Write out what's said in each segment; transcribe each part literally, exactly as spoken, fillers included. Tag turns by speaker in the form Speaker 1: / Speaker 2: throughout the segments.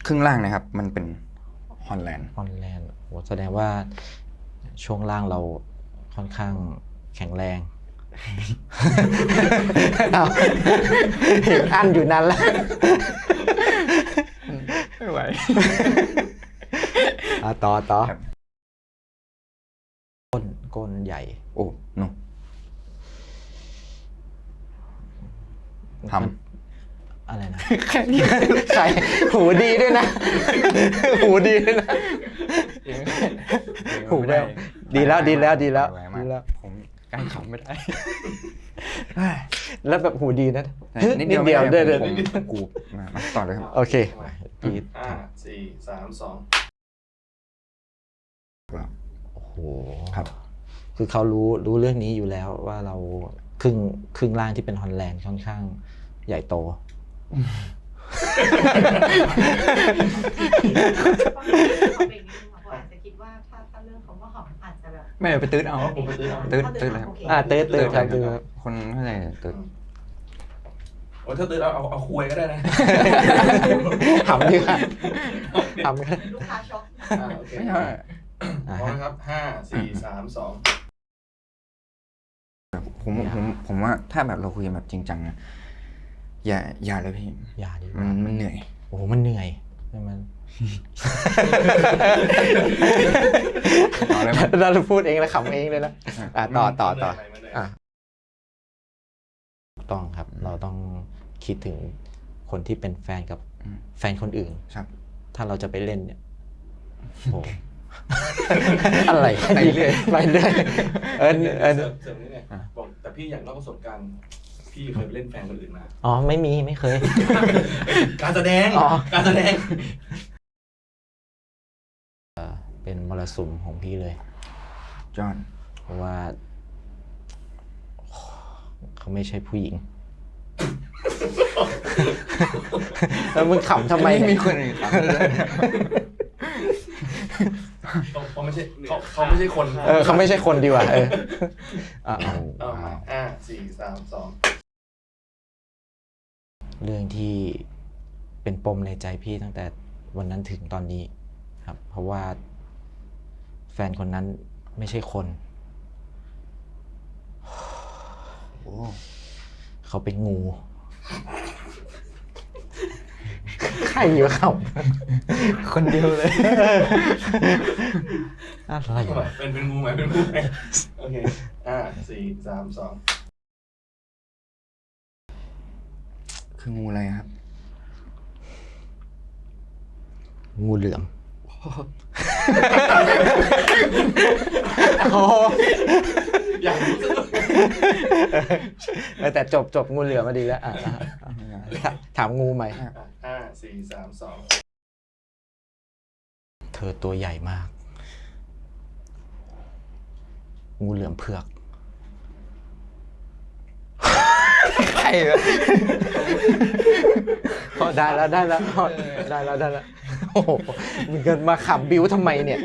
Speaker 1: ครึ่งล่างนะครับมันเป็นฮอลแลนด์
Speaker 2: ฮอลแลนด์โหแสดงว่าช่วงล่างเราค่อนข้างแข็งแรงเอาเห็นอันอยู่นั้นแล้ว
Speaker 1: ไม่ไหว
Speaker 2: อ่ะต่อต่อก้นก้นใหญ่
Speaker 1: โอ้โนท
Speaker 2: ำอะไรนะใส่หูดีด้วยนะหูดีด้วยนะหูได้ดีแล้วดีแล้วดีแล้วดีแล้ว
Speaker 1: ผมกั้นขำไม่ได้
Speaker 2: แล้วแบบหูดีนะ
Speaker 1: นิดเดียวเดียวเดินเดินกูมาต่อเลยครับ
Speaker 2: โอเค
Speaker 3: ห้าสี่สามสอง
Speaker 2: โอ้โห
Speaker 1: ครับ
Speaker 2: คือเขารู้รู้เรื่องนี้อยู่แล้วว่าเราครึ่งครึ่งล่างที่เป็นฮอลแลนด์ค่อนข้างใหญ่โต
Speaker 1: ไม่ไปตื้ดเอาผมไปตื้ดเอาตื้ดตื้ดเลยครับ
Speaker 2: อ่าตื้ดตื้ดครับตื้ด
Speaker 1: คนเข้าใจตื้ด
Speaker 3: โอ้ถ้าตื้ดเอาเอาเอาคุยก็ได้นะ
Speaker 2: หำดีค่ะหำกัน
Speaker 3: ลูกค้าช็อกโอเคพร้อมครับห้าสี่สามสอง
Speaker 1: ผมผมผมว่าถ้าแบบเราคุยกันแบบจริงจังนะอย่าอย่าเลยพี่
Speaker 2: อย่าดิ
Speaker 1: มันมันเหนื่อย
Speaker 2: โอ้โหมันเหนื่อยใช่ไหมเราพูดเองแล้วขำเองเลยนะอ่ะต่อต่อต่ออ่ะต้องครับเราต้องคิดถึงคนที่เป็นแฟนกับแฟนคนอื่น
Speaker 1: ครับ
Speaker 2: ถ้าเราจะไปเล่นเนี่ยโอ้อะไรไปเรื่อยไปเรื่อยเออเออ
Speaker 3: เสริมนี่ไงบอกแต่พี่อยากเล่าประสบการณ์พี่เคยไปเล่นแฟนคนอื่นมา
Speaker 2: อ๋อไม่มีไม่เคย
Speaker 3: การแสดงการแสดง
Speaker 2: เป็นมรสุมของพี่เลย
Speaker 1: จอห์น
Speaker 2: เพราะว่าเขาไม่ใช่ผู้หญิงแล้วมึงขำทำไม
Speaker 1: มีคนอื่นขำ
Speaker 3: เขาไม่ใช่เขาเขาไม่ใช่คน
Speaker 2: เออเขาไม่ใช่คนดีกว่าเอออ่า
Speaker 3: อ่าสี่สามสอง
Speaker 2: เรื่องที่เป็นปมในใจพี่ตั้งแต่วันนั้นถึงตอนนี้ครับเพราะว่าแฟนคนนั้นไม่ใช่คนเขาเป็นงูใครอยู่เขาคนเดียวเลยอะไร
Speaker 3: เป็นเป็นงูไหมเป็นงูไหมโอเคอ่าสี่สามสอง
Speaker 1: คืองูอะไรครับ
Speaker 2: งูเหลือม
Speaker 3: อยากรู้สึก
Speaker 2: แต่จบจบงูเหลือมมาดีแล้วถามงูใหม่
Speaker 3: ห้าสี่สามสอง
Speaker 2: เธอตัวใหญ่มากงูเหลือมเผือกใครวะพอได้แล้วได้แล้วได้แล้วได้แล้วโอ้โหมึงเกินมาขำบิ้วทำไมเนี่ย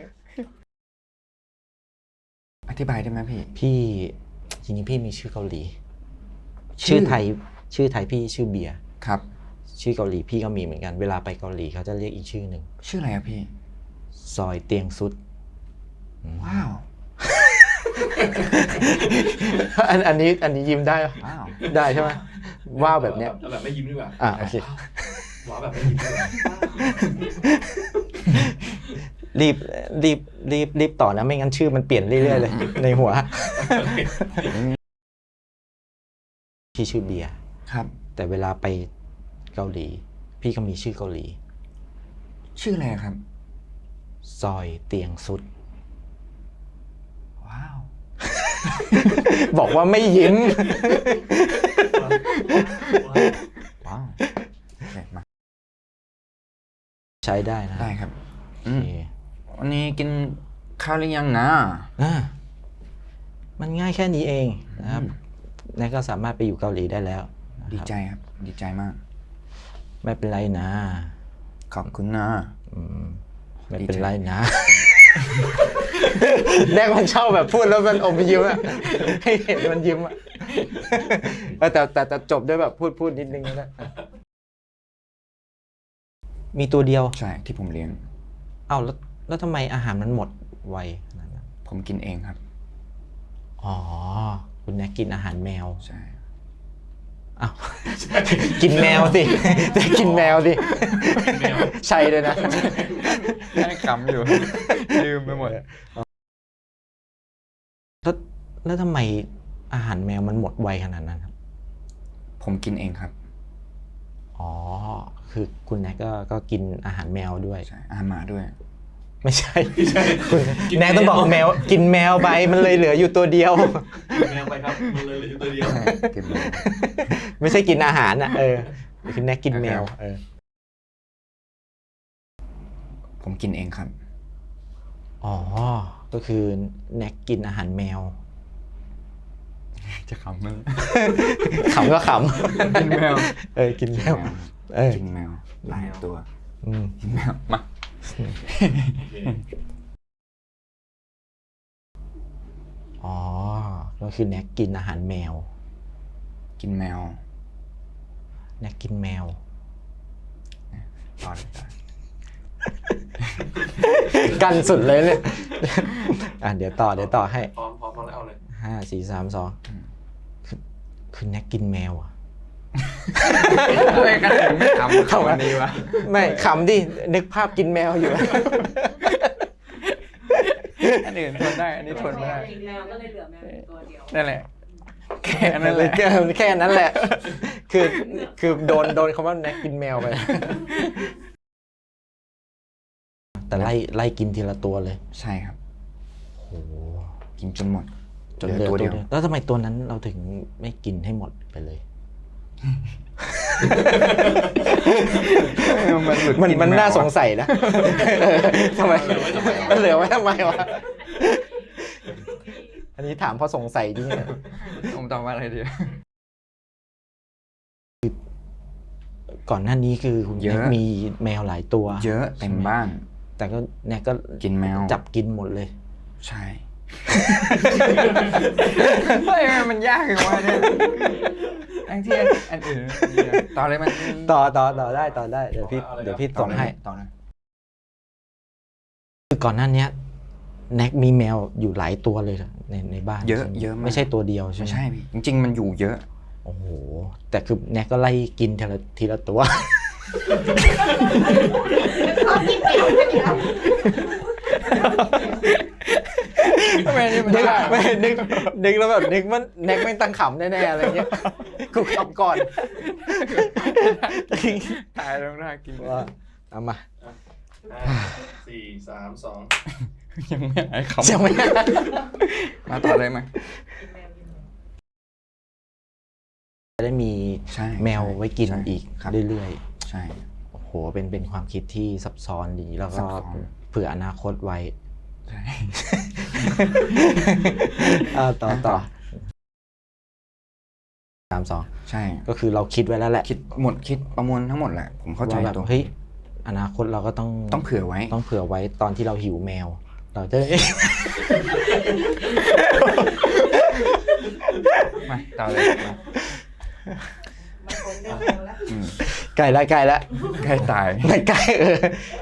Speaker 1: อธิบายได้ไหมพี่
Speaker 2: พี่จริงๆพี่มีชื่อเกาหลีชื่อไทยชื่อไทยพี่ชื่อเบียร์
Speaker 1: ครับ
Speaker 2: ชื่อเกาหลีพี่ก็มีเหมือนกันเวลาไปเกาหลีเขาจะเรียกอีกชื่อหนึ่ง
Speaker 1: ชื่ออะไรครับพี่
Speaker 2: ซอยเตียงซุด
Speaker 1: ว้าว
Speaker 2: อันอันนี้อันนี้ยิ้มได้
Speaker 1: ว้าว
Speaker 2: ได้ใช่ไหมว้าวแบบเนี้ย
Speaker 3: แบบไม่ยิ้มดีกว่า
Speaker 2: อ่าโอเค
Speaker 3: ว้าวแบบไม่ยิ้มดีกว่า
Speaker 2: รีบรีบรีบรีบต่อนะไม่งั้นชื่อมันเปลี่ยนเรื่อยๆเลยในหัวพี่ชื่อเบียร์
Speaker 1: ครับ
Speaker 2: แต่เวลาไปเกาหลีพี่ก็มีชื่อเกาหลี
Speaker 1: ชื่ออะไรครับ
Speaker 2: ซอยเตียงซุด
Speaker 1: ว้าว
Speaker 2: บอกว่าไม่ยิ้ม
Speaker 1: ว้าวมา
Speaker 2: ใช้ได้นะ
Speaker 1: ได้ครับวันนี้กินข้าวหรือยังนะ
Speaker 2: มันง่ายแค่นี้เองนะครับนั่นก็สามารถไปอยู่เกาหลีได้แล้ว
Speaker 1: ดีใจครับดีใจมาก
Speaker 2: ไม่เป็นไรนะ
Speaker 1: ขอบคุณนะ
Speaker 2: ไม่เป็นไรนะแรกมันชอบแบบพูดแล้วมันอมยิ้มอะให้เห็นมันยิ้มอะแต่แต่แต่จบด้วยแบบพูดพูดนิดนึงนะมีตัวเดียว
Speaker 1: ใช่ที่ผมเลี้ยง
Speaker 2: เอ้าแล้วแล้วทำไมอาหารมันหมดไวขนาดนั้น
Speaker 1: ผมกินเองครับ
Speaker 2: อ๋อคุณแน็กกินอาหารแมว
Speaker 1: ใช่
Speaker 2: อ้าว กินแมวสิ จะกินแมวสิ
Speaker 3: แมว
Speaker 2: ใช่เลยนะ
Speaker 1: ให้ขำอยู่ ลืมไปหมด
Speaker 2: แล้วแล้วทำไมอาหารแมวมันหมดไวขนาดนั้นครับ
Speaker 1: ผมกินเองครับ
Speaker 2: อ๋อ คือคุณแน็กก็ก็กินอาหารแมวด้วย
Speaker 1: ใช่อาหารหมาด้วย
Speaker 2: ไม่ใช่ คุณแน็กต้องบอกแมว กินแมวไปมันเลยเหลืออยู่ตัวเดียว
Speaker 3: แมวไปครับมันเลยเหลืออยู่ตัวเดียว
Speaker 1: ใช่กินแมว
Speaker 2: ไม่ใช่กินอาหารอ่ะเออคุณแน็กกินแมวเออ
Speaker 1: ผมกินเองครับ
Speaker 2: อ๋อ ก็คือแน็กกินอาหารแมว
Speaker 1: จะขำมั้ย
Speaker 2: ขำก็ข
Speaker 1: กินแมว
Speaker 2: ำเออ กินแมว เออ
Speaker 1: กินแมวหลายตัว
Speaker 2: อืม
Speaker 1: กินแมวมา
Speaker 2: อ๋อ ก็คือแน็กกินอาหารแมว
Speaker 1: กินแมว
Speaker 2: แน็กกินแมว
Speaker 1: ต่อเลยต่อ
Speaker 2: กันสุดเลยเนี่ย อ่ะเดี๋ยวต่อเดี๋ยวต่อให้
Speaker 3: พร้อมพร้อมพร้อมแล้วเอาเลย
Speaker 2: ห้าสี่สามสองคือคือแน็กกินแมวอ่ะ
Speaker 1: ทำไมกันถึงไม่ทำเขาวันนี้วะ
Speaker 2: ไม่ขำดิ นึกภาพกินแมวอยู่
Speaker 1: อันอื่นทนได้ อันนี้ทนไม่ได้
Speaker 4: แมวก็เลยเหลือแมวอยู่ตัวเดียว
Speaker 1: นั่นแหละ แค่นั้นแหละ
Speaker 2: แค่แค่นั้นแหละ คือคือโดนโดนคำว่าแน็กกินแมวไป แต่ไล่ไล่กินทีละตัวเลย
Speaker 1: ใช่ครับ
Speaker 2: โอ้โห
Speaker 1: กินจนหมด
Speaker 2: จนเหลือ
Speaker 1: ตั
Speaker 2: ตัว ว
Speaker 1: เดี
Speaker 2: เดี
Speaker 1: ย
Speaker 2: ยว วแล้วทำไมตัวนั้นเราถึงไม่กินให้หมดไปเลย
Speaker 1: มันหลุด
Speaker 2: มัน
Speaker 1: กิ
Speaker 2: มัน
Speaker 1: แว
Speaker 2: น่า
Speaker 1: อะ
Speaker 2: สงสัยนะทำไมมันเหลือไว้ทำไมวะ อันนี้ถามเพราะสงสัยจริงเนี่ย
Speaker 1: ผมตอบว่าอะไรดี
Speaker 2: ก่อนหน้านี้คือคุณ
Speaker 1: เยอะ
Speaker 2: แน็กมีแมวหลายตัว
Speaker 1: เยอะเต็มบ้าน
Speaker 2: แต่ก็แน็กก็
Speaker 1: กินแมว
Speaker 2: จับกินหมดเลย
Speaker 1: ใช่ เฮ้ยมันยากเลยวะเนี่ยอันที่อันอื่นต่อเลยมัน
Speaker 2: ต่อต่อต่อได้ต่อได้เดี๋ยวพี่เดี๋ยวพี่ส่งให้
Speaker 1: ต่อนะ
Speaker 2: คือก่อนหน้านี้แน็กมีแมวอยู่หลายตัวเลยในในบ้าน
Speaker 1: เยอะ
Speaker 2: ใช่ไหม
Speaker 1: เยอะมาก
Speaker 2: ไม่ใช่ตัวเดียวใช่ไหม
Speaker 1: ไม่ใช่พี่จริง ๆ มันอยู่เยอะ
Speaker 2: โอ้โหแต่คือแน็กก็ไล่กินทีละทีละตัว
Speaker 4: ชอบกินแมวกันอยู่แล้ว
Speaker 1: ทำไมนี่มัน
Speaker 2: นึก
Speaker 1: ยาก
Speaker 2: ไม่นึกนึกแล้วแบบนึกว่าแน็กไม่ตั้งขำแน่ๆอะไรเงี้ยกูขำก่อน
Speaker 1: ตายแล้วน่ากิน
Speaker 2: ว่าเอามา
Speaker 3: ห้าสี่สามสอง
Speaker 1: ยังไม่หายขำ
Speaker 2: ยังไม่
Speaker 1: มาต่อเลยไหม
Speaker 2: จะได้มี
Speaker 1: ใช่
Speaker 2: แมวไว้กิน
Speaker 1: ใช่
Speaker 2: อีก
Speaker 1: ครับ
Speaker 2: เรื่อย
Speaker 1: ใช่
Speaker 2: ๆโอ้โหเป็นเป็นความคิดที่ซับซ้อนดีแล้ว
Speaker 1: ซั
Speaker 2: ก็
Speaker 1: บซ้อน
Speaker 2: เผื่ออนาคตไว้
Speaker 1: ใช่
Speaker 2: อ่าต่อต่อสามสอง
Speaker 1: ใช่
Speaker 2: ก็คือเราคิดไว้แล้วแหละ
Speaker 1: คิดหมดคิดประมวลทั้งหมดแหละ ผมเข้าใจ
Speaker 2: ว่าแบบ
Speaker 1: ตัว
Speaker 2: เฮ้ยอนาคตเราก็ต้อง
Speaker 1: ต้องเผื่อไว้
Speaker 2: ต้องเผื่อไว้ตอนที่เราหิวแมว เราจะได้
Speaker 1: มาต่อเลยมา
Speaker 4: มาคนเรื่องแมวแล้ว
Speaker 1: อืม
Speaker 2: ใกล้แล้วใกล้แล้ว
Speaker 1: ใกล้ตาย
Speaker 2: ไม่ใกล้เออ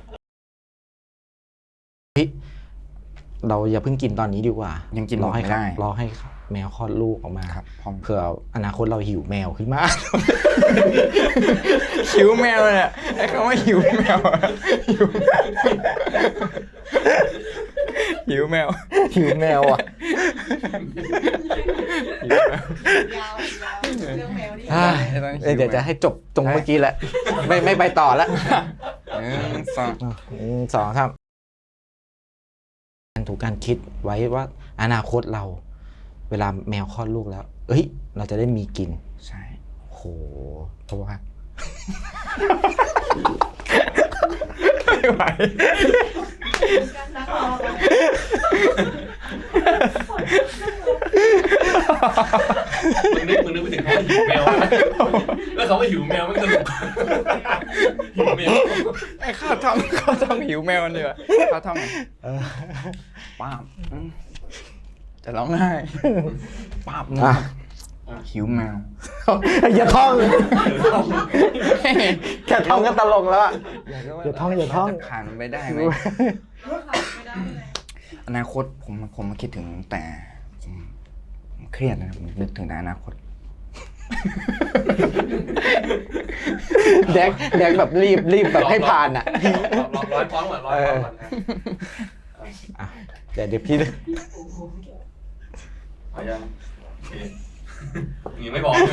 Speaker 2: เฮ้ยเราอย่าเพิ่งกินตอนนี้ดีกว่า
Speaker 1: ยังกินหม
Speaker 2: รอ
Speaker 1: ด
Speaker 2: ให้
Speaker 1: ไม่ได้
Speaker 2: รอให้แมวคลอดลูกออกมา
Speaker 1: ครับพร้อม
Speaker 2: เผื่ออนาคตเราหิวแมวขึ้นมา
Speaker 1: หิวแมวเนี่ยไอ้คำว่าหิวแมวอะหิวหิวแมว
Speaker 2: หิวแมวอ่ะ
Speaker 1: หิวแมว
Speaker 4: ยาวยาวเรื่องแมวนี่
Speaker 2: อ่า
Speaker 1: ไม่ต้องหิว
Speaker 2: เดี๋ยวจะให้จบตรงเมื่อกี้แหละ ไม่ไม่ไปต่อแล้ว
Speaker 1: หนึ่งสอง
Speaker 2: หนึ่งสองครับการถูกการคิดไว้ว่าอนาคตเรา เวลาแมวคลอดลูกแล้ว เอ้ย เราจะได้มีกิน
Speaker 1: ใช่
Speaker 2: โหเพราะว่า
Speaker 1: ไม่ไหว
Speaker 4: นักรอ
Speaker 3: มึงนึกมึงนึกไปถึงเขาหิวแมวแล้วเขาว่าหิวแมวไม่สนุกหิวแมว
Speaker 1: ไอ้ข้าวท่องข้าวท่องหิวแมวนี่วะข้าวท่องไงป้าบอืมจะร้องไห้ป้าบ
Speaker 2: อ่ะ
Speaker 1: นหิวแมว
Speaker 2: อย่าท่อง
Speaker 3: เดี๋ยวต้อง
Speaker 2: แค่ท่องก็ตลกแล้วอะ
Speaker 1: อยากรู้ว่า
Speaker 2: อย่าท่องอย่าท่อง
Speaker 1: เรจะผ่านมันไปได้ไหม
Speaker 4: ไม่ได้เลย
Speaker 1: อนาคตผมผมมาคิดถึงแต่ผมผมเครียดนะผมนึกถึงแต่อนาคต
Speaker 2: แดกแดกแบบรีบรีบแบบให้ผ่านอ่ะ
Speaker 3: ร้อยร้อยฟ้องก่อนร้อยฟ้องก่อนนะ
Speaker 2: อ่ะเดี๋ยวเดี๋ยวพี่
Speaker 3: เอายังโอเคยังไม่บอกใช่ไหม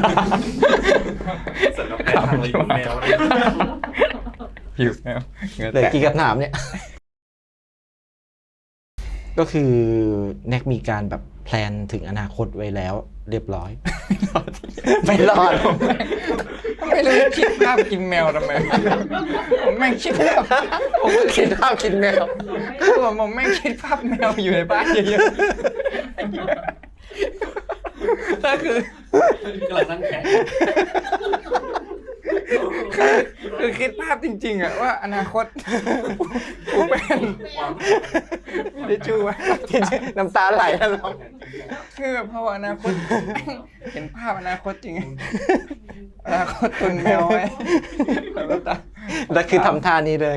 Speaker 3: เสร็จแล้วแพ้ทางเลยคุณแมวเนี่ย
Speaker 1: หิวแมวเหงื่อ
Speaker 2: เหลย
Speaker 1: แตก
Speaker 2: กี่คำถามเนี่ย ก็คือแน็กมีการแบบแพลนถึงอนาคตไว้แล้ว เรียบร้อย ไม่รอด
Speaker 1: ไม่รู้จะคิดภาพกินแมวทำไมผมแม่งคิดภาพ
Speaker 2: ผมก็คิดภาพกินแมว
Speaker 1: ผมผมแม่งคิดภาพแมวอยู่ในบ้านเยอะๆก็คือก
Speaker 3: ำลังนั่งแข่ง
Speaker 1: คือคิดภาพจริงๆอะว่าอนาคตกูเป็น
Speaker 3: ความ
Speaker 1: ดิจูไว้
Speaker 2: น้ำตาไหลแล้วเรา
Speaker 1: คือแบบพออนาคตเห็นภาพอนาคตจริงอนาคตตุนแมวไว้แล้วก็ตา
Speaker 2: แล้วคือทำท่านี้เลย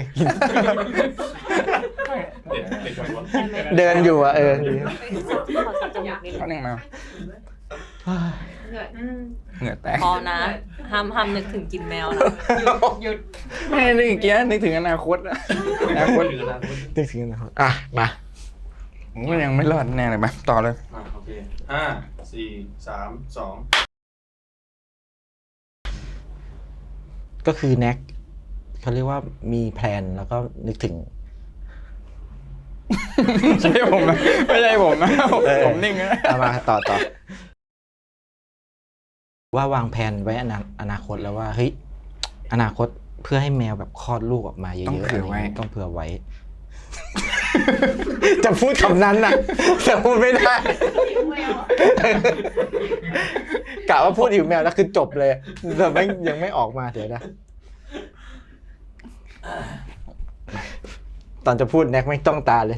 Speaker 3: เด็ดเด็ดกว่า
Speaker 2: เดินอยู่อ่ะเออ
Speaker 1: เขาหนึ่งแมว
Speaker 4: เหนื่อย
Speaker 1: เหงื่อแตก
Speaker 5: พอนะห้ามห้ามนึกถึงกินแมวนะ
Speaker 1: หยุดไม่ได้นึกอีกเกี้ยนึกถึงอนาคตอะอนาคต
Speaker 3: หรืออนาคต
Speaker 2: นึกถึงนะครับอ่ะมา
Speaker 1: ผมก็ยังไม่รอดแน่เลยมาต่อเลย
Speaker 3: อ่ะโอเคห้าสี่สามสอง
Speaker 2: ก็คือแน็กเขาเรียกว่ามีแพลนแล้วก็นึกถึง
Speaker 1: ไม่ใช่ผมนะไม่ใช่ผมนะผม
Speaker 2: เออ
Speaker 1: ผมนิ่งนะ
Speaker 2: เอามาต่อต่อว่าวางแผนไว้อนาอนาคตแล้วว่าเฮ้ยอนาคตเพื่อให้แมวแบบคลอดลูกออกมาเยอะๆ
Speaker 1: ต้องเผื่อไว้
Speaker 2: ะรย่างงี้ต้องเผื่อไว้ จะพูดคำนั้นน่ะแต่พูดไม่ได้
Speaker 4: หิวแมว
Speaker 2: กะว่าพูดหิวแมวแล้วคือจบเลยแต่ไม่ยังไม่ออกมาเดี๋ยวนะตอนจะพูดแน็กไม่ต้องตาเลย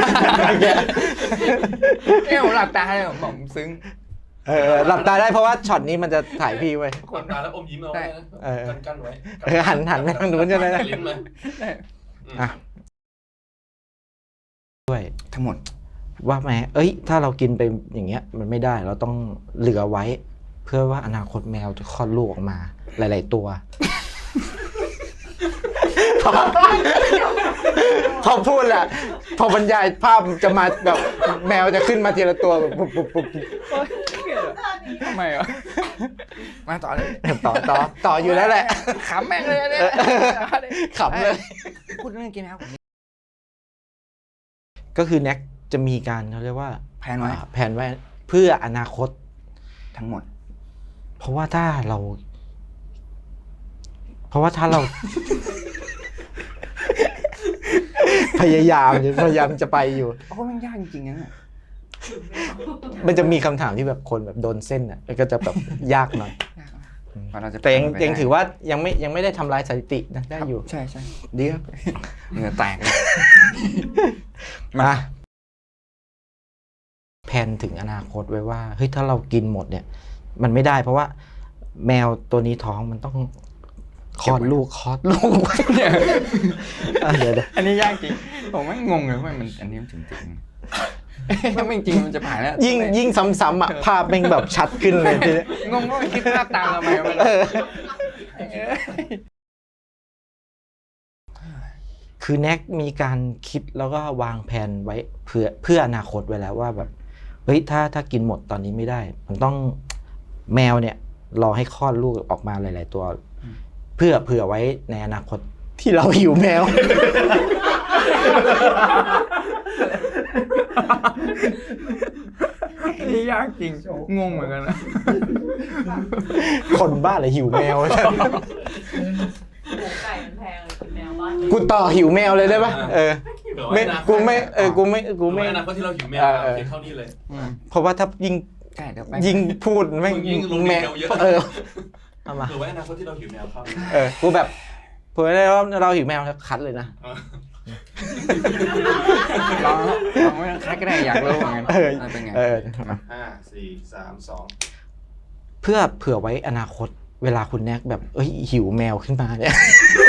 Speaker 1: เนี่ยผมหลับตาเลยผมบอกผมซึ้ง
Speaker 2: เออหลับตาได้เพราะว่าช็อตนี้มันจะถ่ายพี่ไว้
Speaker 3: กดตาแล้วอมยิ้มเอาไว้นะ
Speaker 2: เออ
Speaker 3: กันกันไว้
Speaker 2: เออหันหันไปทางนู้นใช่ไหมนะ
Speaker 3: ลิ้นมา
Speaker 1: ได้
Speaker 2: อ่ะด้วย
Speaker 1: ทั้งหมด
Speaker 2: ว่าแม้เอ้ย ถ้าเรากินไปอย่างเงี้ย มันไม่ได้ เราต้องเหลือไว้ เพื่อว่าอนาคตแมวจะคลอดลูกออกมา หลาย ๆ ตัว พอพอพูดแหละ พอบรรยายภาพจะมาแบบแมวจะขึ้นมาทีละตัวแบบปุ๊บปุ๊บปุ๊บปุ๊บ
Speaker 1: ทำไมอ่ะมาต่อเลย
Speaker 2: ต่อต่อต่ออยู่แล้วแหละ
Speaker 1: ขำแม่งเลยเนี่ย
Speaker 2: ขำเลย
Speaker 1: พูดเรื่องกินนะครับผม
Speaker 2: ก็คือแน็กจะมีการเขาเรียกว่า
Speaker 1: แผนไว้
Speaker 2: อ่าแผนไว้เพื่ออนาคต
Speaker 1: ทั้งหมด
Speaker 2: เพราะว่าถ้าเรา เพราะว่าถ้าเรา พยายามพยายามจะไปอยู่
Speaker 1: โอ้มันยากจริงๆนะเนี่ย
Speaker 2: มันจะมีคำถามที่แบบคนแบบโดนเส้นอ่ะแล้วก็จะแบบยากหน่อย
Speaker 1: กว่าเราจะ
Speaker 2: แต่ยัง
Speaker 1: ผ่านไป
Speaker 2: ยัง
Speaker 1: ได้
Speaker 2: ถือว่ายังไม่ยังไม่ได้ทำลายสถิตินะได้อยู่
Speaker 1: ใช่ใช่ดีครับเหงื่อแตกเลย
Speaker 2: มาแผนถึงอนาคตไว้ว่าเฮ้ยถ้าเรากินหมดเนี่ย มันไม่ได้เพราะว่า แมวตัวนี้ท้องมันต้องคลอดลูกคลอดลูกไว้
Speaker 1: เนี่ย
Speaker 2: อ่ะเดี๋ยวเดี๋ยว
Speaker 1: อันนี้ยากจริงผมไม่งงเลยว่ามันอันนี้มันถึงจริงถ้าไม่จริงมันจะผ่านแล้ว
Speaker 2: ยิ่งยิ่งซ้ำๆอ่ะภาพแม่งแบบชัดขึ้นเลยทีเนี้ย
Speaker 1: งงว่ามันคิดภาพตามเราไหมวะ
Speaker 2: เออคือแน็กมีการคิดแล้วก็วางแผนไว้เพื่อเพื่ออนาคตไว้แล้วว่าแบบเฮ้ยถ้าถ้ากินหมดตอนนี้ไม่ได้ มันต้องแมวเนี่ยรอให้คลอดลูกออกมาหลาย ๆ ตัว เพื่อเผื่อไว้ในอนาคตที่เราหิวแมว
Speaker 1: อันนี้ยากจริงงงเหมือนกันนะ
Speaker 2: คนบ้าเลยหิวแมว
Speaker 5: หมูไก่มันแพงเลยกินแมวบ้าน
Speaker 2: กูต่อหิวแมวเลยได้ปะเออ
Speaker 3: เผื่อ
Speaker 2: ไม่
Speaker 3: ว้อนาคต
Speaker 2: กูไม่เออกูไม่กู
Speaker 3: เผื่อ
Speaker 2: ไม่
Speaker 3: ไว้อนาคตที่เราหิวแมว
Speaker 2: เออ
Speaker 3: เพียงเท่านี้เลย
Speaker 1: อืม
Speaker 2: เพราะว่าถ้ายิ่ง
Speaker 1: ใช่เดี๋ยวไป
Speaker 2: ยิ่งพูดไม่ง
Speaker 3: ยิ่งลงดี
Speaker 2: แม
Speaker 3: เท
Speaker 2: ว
Speaker 3: ลเยอะ
Speaker 2: เออเอามา
Speaker 3: เผื่อไว้อนาคตที่เราหิวแมวเข้า
Speaker 2: เออกูแบบเผื่อได้ว่าเราหิวแมวคัดเลยนะ
Speaker 3: เออ
Speaker 1: ลองลองไม่ต้องคัดก็ได้อยากรู้เหมือนกัน
Speaker 2: เออ
Speaker 1: มันเป็นไง
Speaker 2: เออ
Speaker 3: ห้าสี่สามสอง
Speaker 2: เพื่อเผื่อไว้อนาคต เวลาคุณแน็กแบบเอ้ยหิวแมวขึ้นมาเนี่ย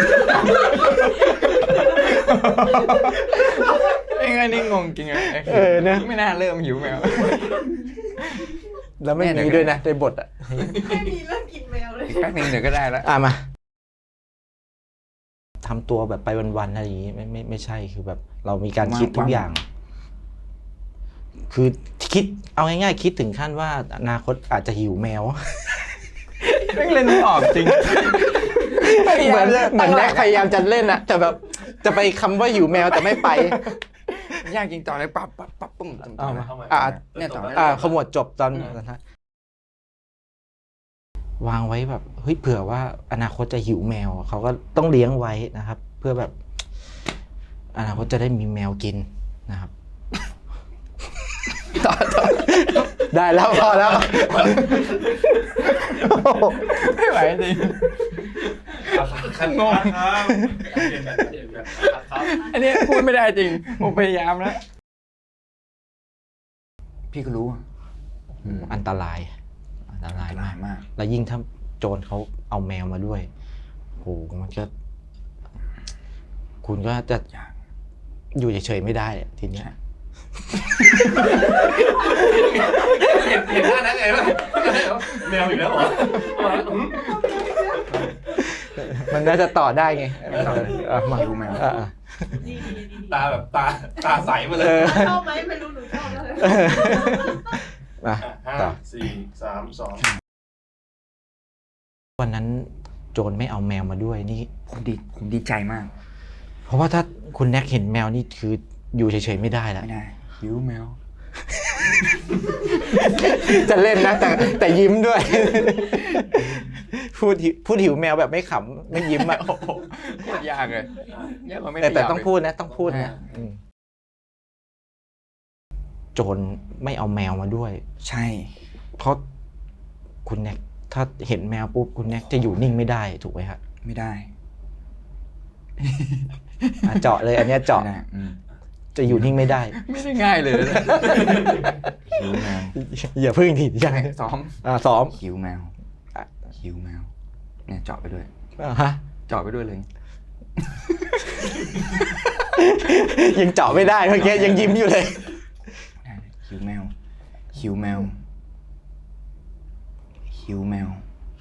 Speaker 1: ไอ้เงี้ยนี่งงจริงอะ
Speaker 2: เออนะ
Speaker 1: ไม่น่าเริ่มหิวแมว
Speaker 2: แล้วไม่มีด้วยนะในบทอ่ะ
Speaker 4: แค่นี้เริ่มกินแมวเลย
Speaker 1: อีกแป๊บนึงเดี๋ยวก็ได้แล้ว
Speaker 2: อ่ะมาทำตัวแบบไปวันๆอะไรอย่างงี้ไม่ไม่ไม่ใช่คือแบบ เรามีการคิดทุกอย่าง คือคิดเอาง่ายๆคิดถึงขั้นว่าอนาคตอาจจะหิวแมว
Speaker 1: ไม่เล่นไม่ออกจริง
Speaker 2: เหมือนเหมือนแน็กพยายามจะเล่นอะแต่แบบจะไปคำว่าหิวแมวแต่ไม่ไป
Speaker 1: ยากจริงต่อเลยปั๊บปั๊บปั๊บปุ้ม
Speaker 2: เอามา
Speaker 3: เอาใหม่
Speaker 2: อ่ะ
Speaker 1: เนี่ยต่อ
Speaker 2: อ่าขมวดจบตอนตอนท้ายวางไว้แบบเฮ้ยเผื่อว่าอนาคตจะหิวแมวเขาก็ต้องเลี้ยงไว้นะครับ เพื่อแบบ อนาคตจะได้มีแมวกินนะครับ
Speaker 1: ต่อต่อ
Speaker 2: ได้แล้วพอแล้ว
Speaker 1: ไม่ไหวจริง
Speaker 3: คัน
Speaker 1: งง
Speaker 3: ครับเปลี่ยนแบบเปลี่ยนแบบครับ
Speaker 1: อันนี้พูดไม่ได้จริงผมพยายามแล้วพี่ก็รู้อะอืม
Speaker 2: อันตราย อันตราย
Speaker 1: อันต
Speaker 2: มาร
Speaker 1: าก ยมาก
Speaker 2: แล้วยิ่งถ้าโจรเขาเอาแมวมาด้วยโหมันก็ คุณก็จะ
Speaker 1: ยาก
Speaker 2: อยู่เฉยๆไม่ได้ทีเนี้ย
Speaker 3: เห็นเห็นหน้านั้นไงวะแมวอีกแล้วเหรอ
Speaker 2: มันน่าจะต่อได้ไงอ่ะมา
Speaker 1: หิวแมว
Speaker 2: อ่ะอ่ะ
Speaker 4: ดีดีดีดี
Speaker 3: ตาแบบตาตาใสมาเล
Speaker 2: เอย อ
Speaker 4: ชอบไหมไม่รู้หนูชอบแล้วเลย
Speaker 2: มา
Speaker 3: ห้า
Speaker 2: ต่อ
Speaker 3: สี่สามสอง
Speaker 2: วันนั้นโจรไม่เอาแมวมาด้วยนี่
Speaker 1: ผมดีผมดีใจมาก
Speaker 2: เพราะว่าถ้าคุณแน็กเห็นแมวนี่คืออยู่เฉยๆไม่ได้แล้ว
Speaker 1: ไม่ได้หิวแมว
Speaker 2: จะเล่นนะแต่แต่ยิ้มด้วย พูดหิวพูดหิวแมวแบบไม่ขำไม่ยิ้มอ่ะ
Speaker 1: โคตรยากเลยยากกว่าไม่
Speaker 2: แต่แต่
Speaker 1: ขยับ
Speaker 2: ต้อง
Speaker 1: ก
Speaker 2: พูดนะ ต้องพูดนะอืมโจรไม่เอาแมวมาด้วย
Speaker 1: ใช่
Speaker 2: เพราะคุณแน็กถ้าเห็นแมวปุ๊บคุณแน็กจะอยู่นิ่งไม่ได้ถูกไหมครับ
Speaker 1: ไม่ได้
Speaker 2: อ่ะเจาะเลย อันเนี้ยเจาะ
Speaker 1: ไม่ได้อืม
Speaker 2: จะอยู่นิ่งไม่ได้
Speaker 1: ไม่ได้ง่ายเลยนะหิวแมว
Speaker 2: อย่าพึ่งทียัง
Speaker 1: ซ้อม
Speaker 2: อ่าซ้อม
Speaker 1: หิวแมวอ่ะหิวแมว เนี่ยเจาะไปด้วย
Speaker 2: อ่าฮะ
Speaker 1: เจาะไปด้วยเลย
Speaker 2: ยังเจาะไม่ได้เมื่อกี้ยังยิ้มอยู่เลย
Speaker 1: ได้เลยหิวแมว หิวแมว หิวแมว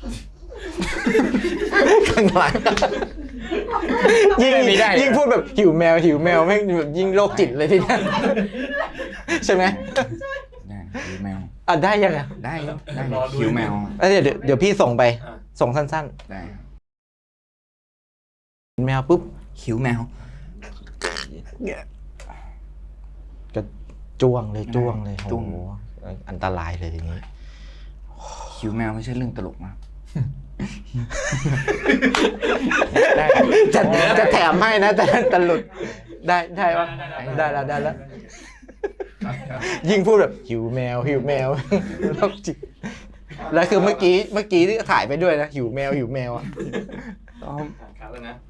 Speaker 2: ข้างหลังยิ่ง
Speaker 1: ไม่ได้
Speaker 2: ยิ่งพูดแบบหิวแมวหิวแมวแม่งแบบยิ่งโรคจิตเลยทีเนี้ยใช่ไหม
Speaker 1: ได้หิวแมว
Speaker 2: อ่ะได้ยังอ่ะ
Speaker 1: ได้ครับได้หิวแมว
Speaker 2: เอ้ยเดี๋ยวเดี๋ยวเดี๋ยวพี่ส่งไป ส่งสั้น
Speaker 1: ได้ครับ
Speaker 2: ๆแมวปุ๊บ
Speaker 1: หิวแมว
Speaker 2: ก็จ้วงเลยจ้วงเลย
Speaker 1: จ้
Speaker 2: โอ้
Speaker 1: วง
Speaker 2: โหอันตรายเลยอย่างนี้
Speaker 1: หิวแมวไม่ใช่เรื่องตลกนะ
Speaker 2: จะจะแถมให้นะแต่แต่หลุดได้ได้ปะได้แล้วได้แล้ว ยิ่งพูดแบบหิวแมวหิวแมวโรคจิตแล้วคือเมื่อกี้เมื่อกี้ที่ถ่ายไปด้วยนะหิวแมวหิวแมวอ่ะ
Speaker 1: ซ้อม
Speaker 3: ครับแล้วนะ